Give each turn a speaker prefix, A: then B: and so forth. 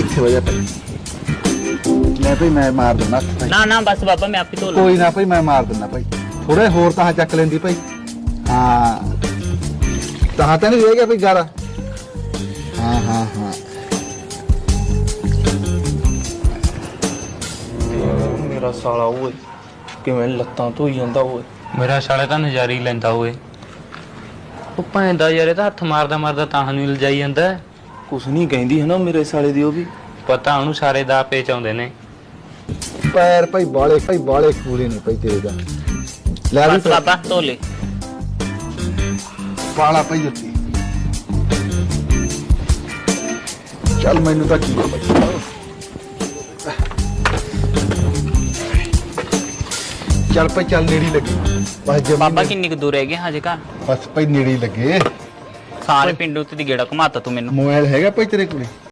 A: ਇੱਥੇ ਵਜਾ ਭਾਈ ਲੈ ਭਾਈ ਮੈਂ ਮਾਰ ਦਿੰਦਾ ਭਾਈ।
B: ਨਾ ਨਾ ਬਸ ਬਾਬਾ ਮੈਂ ਆਪੇ ਧੋ ਲਾਂ।
A: ਕੋਈ ਨਾ ਭਾਈ ਮੈਂ ਮਾਰ ਦਿੰਦਾ ਭਾਈ ਥੋੜਾ ਹੋਰ ਤਾਂ ਚੱਕ ਲੈਂਦੀ ਭਾਈ। ਹਾਂ ਤਾਂ ਨਹੀਂ ਰਹਿ ਗਿਆ ਭਾਈ ਗਾਰਾ। ਹਾਂ ਹਾਂ ਹਾਂ
C: ਮੇਰਾ ਸਾਲਾ ਓਏ ਕਿਵੇਂ ਲੱਤਾਂ ਧੋਈ ਜਾਂਦਾ ਓਏ।
D: ਮੇਰਾ ਸਾਲੇ ਤਾਂ ਨਜ਼ਾਰੀ ਲੈਂਦਾ ਓਏ। ਉਹ ਭੈਂਦਾ ਯਾਰ ਇਹ ਤਾਂ ਹੱਥ ਮਾਰਦਾ ਮਾਰਦਾ ਤਾਂ ਨੂੰ ਲਜਾਈ ਜਾਂਦਾ।
C: ਕੁਛ ਨਹੀਂ ਕਹਿੰਦੀ ਹੈ ਨਾ ਮੇਰੇ ਸਾਲੇ ਦੀ ਉਹ ਵੀ।
D: ਪਤਾ ਉਹਨੂੰ ਸਾਰੇ ਦਾ ਪੇਚ ਆਉਂਦੇ ਨੇ।
A: ਪੈਰ ਭਾਈ ਬਾਲੇ ਕੂਲੇ ਨੇ ਭਾਈ ਤੇਰੇ ਦਾ। ਲੈ ਵੀ
B: ਬਸ ਬਾਬਾ ਧੋ ਲੈ।
A: ਪਾਲਾ ਭਾਈ ਜੁੱਤੀ। ਚੱਲ ਮੈਨੂੰ ਤਾਂ ਕੀ ਆ ਭਾਈ। ਚੱਲ ਭਾਈ ਚੱਲ ਨੇੜੀ ਲੱਗੀ ਬਸ ਜਮੀ
B: ਬਾਬਾ ਕਿੰਨੀ ਕੁ ਦੂਰ ਰਹਿ ਗਿਆ ਹਜੇ ਘਰ?
A: ਬਸ ਭਾਈ ਨੇੜੀ ਲੱਗੇ।
B: ਸਾਰੇ ਪਿੰਡ ਉੱਤੇ ਦੀ ਗੇੜਾ ਘੁਮਾਤਾ ਤੂੰ ਮੈਨੂੰ।
A: ਮੋਬਾਈਲ ਹੈਗਾ ਭਾਈ ਤੇਰੇ ਕੋਲੇ?